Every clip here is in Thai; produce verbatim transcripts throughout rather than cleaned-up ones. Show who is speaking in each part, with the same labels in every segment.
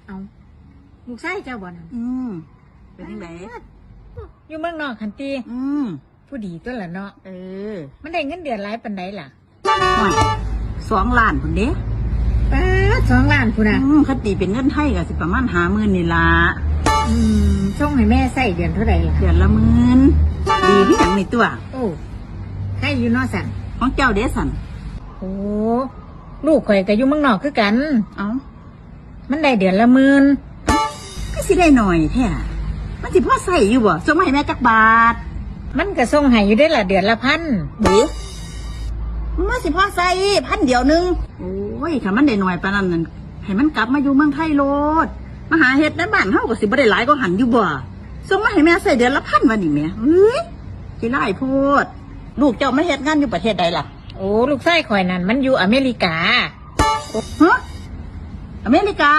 Speaker 1: เอาลูกชายเจ้าบ่นั่น
Speaker 2: อืมเป็นยังไง
Speaker 1: อยู่เมืองนอกคันตี
Speaker 2: อืม
Speaker 1: ผู้ดีตัวละเนาะ
Speaker 2: เออ
Speaker 1: มันได้เงินเดือนหลายปานใดล่ะ
Speaker 2: สองล้านคนเด้
Speaker 1: ป้าสองล้านพุ่นน่ะ
Speaker 2: อืมคติเป็นเงินไทยก็สิประมาณห้าหมื่นนี่ล่ะ
Speaker 1: อืมส่งให้แม่ใส่เดือนเท่าไหร่ล่ะ
Speaker 2: เดือนละหมื่นดีที่อย่างในตัว
Speaker 1: โอ้ให้อยู่นอกสั่น
Speaker 2: ของเจ้าเด้สัน
Speaker 1: โอ้ลูกข่อยก็อยู่เมืองนอกคือกัน
Speaker 2: เอ้า
Speaker 1: มันได้เดือนละหมื่น
Speaker 2: ก็สิได้หน่อยแท้มันสิพอใส่อยู่บ่ส่งมาให้แม่จักบาท
Speaker 1: มันก็ส่งให้อยู่ได้ละเดือนละพัน
Speaker 2: เด้มันสิพอใส่พันเดียวนึงโอ้ยถ้ามันได้หน่อยปานนั้นนั่นให้มันกลับมาอยู่เมืองไทยโลดมาหาเฮ็ดในบ้านเฮาก็สิบ่ได้หลายกว่าหันอยู่บ่ส่งมาให้แม่ใส่เดือนละพันวันนี้แม่เอ้ยสิหลายโพดลูกเจ้ามาเฮ็ดงานอยู่ประเทศใดล่ะ
Speaker 1: โอ้ลูกชายข่อยนั่นมันอยู่อเมริกา
Speaker 2: ฮะอเมริกา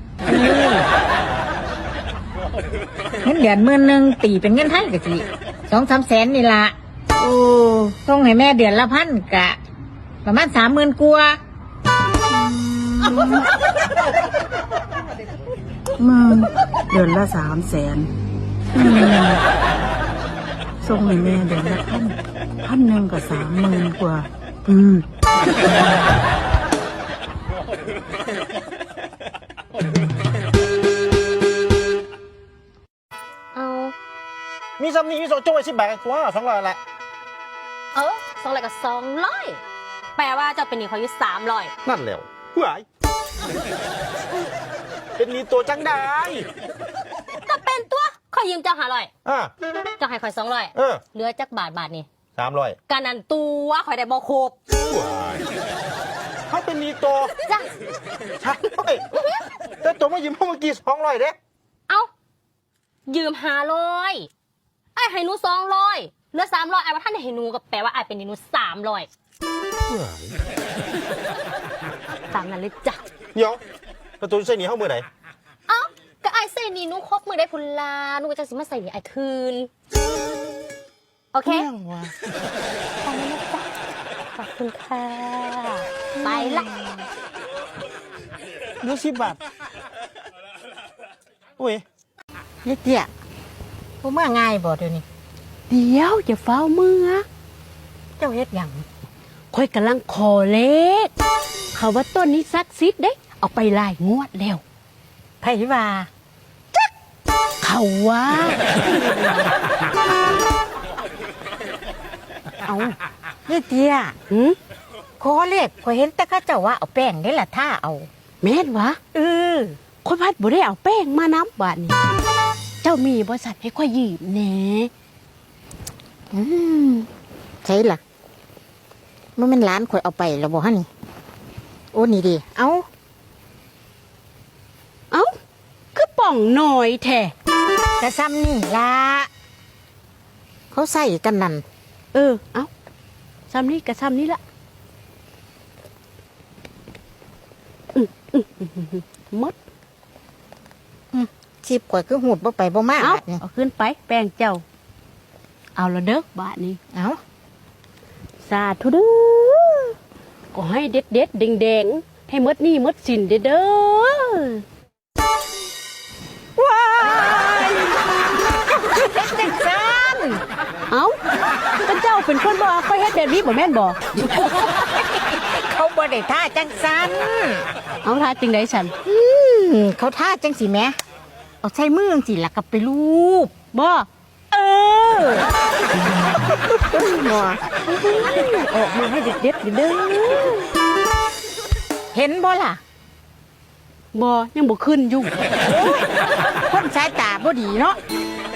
Speaker 1: เงินเดือนหมื่นหนึ่งตีเป็นเงินไทยก็สิสองสามแสนนี่ละโอ้ส่งให้แม่เดือนละพันกะประมาณสามหมื่นกว่า
Speaker 2: มึงเดือนละสามแสนส่งให้แม่เดือนละพันพันหนึ่งกับสามหมื่นกว่าอืม
Speaker 3: เอา
Speaker 4: มีซ้ำนี้มีโซโจ้ไอชิบแบกตัวสองร้อยแหละ
Speaker 3: เออสองร้อยกับสองร้อยแปลว่าเจ้าเป็นหนี้เขาอยู่สามร้อย
Speaker 4: นั่นแล้วเฮ้ยเป็นนี้ตัวจังได้
Speaker 3: ก็เป็นตัวขอยืมเจ้าหาร้อย
Speaker 4: อ่า
Speaker 3: เจ้าให้ข่อยสองร้อย
Speaker 4: เออ
Speaker 3: เหลือจักบาทบาทนี่
Speaker 4: สามร้อย
Speaker 3: การนันตัวข่อยได้บ่ครบ
Speaker 4: เขาเป็นนี้ตัว
Speaker 3: จ้ะ
Speaker 4: ใช่แต่ตัวมายืมเมื่อกี้สองร้อยเด้
Speaker 3: เอ้ายืมห้าร้อยไอ้ให้หนูสองร้อยเหลือสามร้อยไอ้ว่าท่านให้หนูก็แปลว่าไอ้เป็นหนี้หนูสามร้อยตามนั้นเลยจ้ะ
Speaker 4: เดี๋ยวประตูใส่หนีเข้ามือไหน
Speaker 3: เอ้าก็ไอ้ใส่หนี้หนูครบมือได้พุนลาหนูก็จะสิมาใส่หนี้ไอ้คืนโอเคตามนั้นนะจ๊ะขอบคุณค่ะไปละ
Speaker 4: ดูสิบบาทอุ้ย
Speaker 1: เยเจี๊ยผมว่าง่ายบ่เดี๋ยวนี้
Speaker 5: เดี๋ยวอย่าเฝ้ามือ
Speaker 1: เจ้าเฮ็ดหยัง
Speaker 5: ค่อยกำลังขอเลขเขาว่าต้นนี้ซักซิดเด้เอาไปลายงวดแล้ว
Speaker 1: ไผว่า
Speaker 5: จักเขาว่า
Speaker 1: เอาเยเจี๊ย
Speaker 5: หืม
Speaker 1: ขอเลขข่อยเห็นแต่เขาเจ้าว่าเอาแป้งได้ล่ะท่าเอา
Speaker 5: แม่นวะ
Speaker 1: เออ
Speaker 5: ค่อยพัดบ่ได้เอาแป้งมาน้ำบาดนี้เจ้ามีบริษัทให้ค่อยยืมแหน่
Speaker 1: อืมใช่ล่ะมันเป็นร้านข่อยเอาไปแล้วบ่ฮะนี่โอ้นี่ดิเอา
Speaker 5: เอาคือป่องหน่อยแท้
Speaker 1: กระซ้ำนี่ล่ะเขาใส่กันนั่น
Speaker 5: เออเอาซ้ำนี้กระซ้ำนี้ละมด
Speaker 1: ชิบข่อยคือหูดบ่ไปบ่มา
Speaker 5: เอาเอาขึ้นไปแป้งเจ้าเอาละเด้อบาทนี้
Speaker 1: เอา
Speaker 5: สาธุเด้อก็ให้เด็ดเด็ดแดงแดงให้มดนี่มดสินเด้อเด้อ
Speaker 1: ว้ายเฮ็ดจังซั่น
Speaker 5: เอ้าก็เจ้าเป็นคนบ่ค่อยเฮ็ดแบบนี้บ่แม่นบ่
Speaker 1: เขาบ่ได้ท่าจังซั่น
Speaker 5: เอาท่าจังได๋ฉัน
Speaker 1: อืมเขาท่าจังสิแม่เอาใช้มือจังสิล่ะก็ไปลูบ
Speaker 5: บ่
Speaker 1: เออ
Speaker 5: บ่ออกมาให้เด็ดๆเด้อ
Speaker 1: เห็นบ่ล่ะ
Speaker 5: บ่ยังบ่ขึ้นอยู่
Speaker 1: คนสายตาบ่ดีเนาะ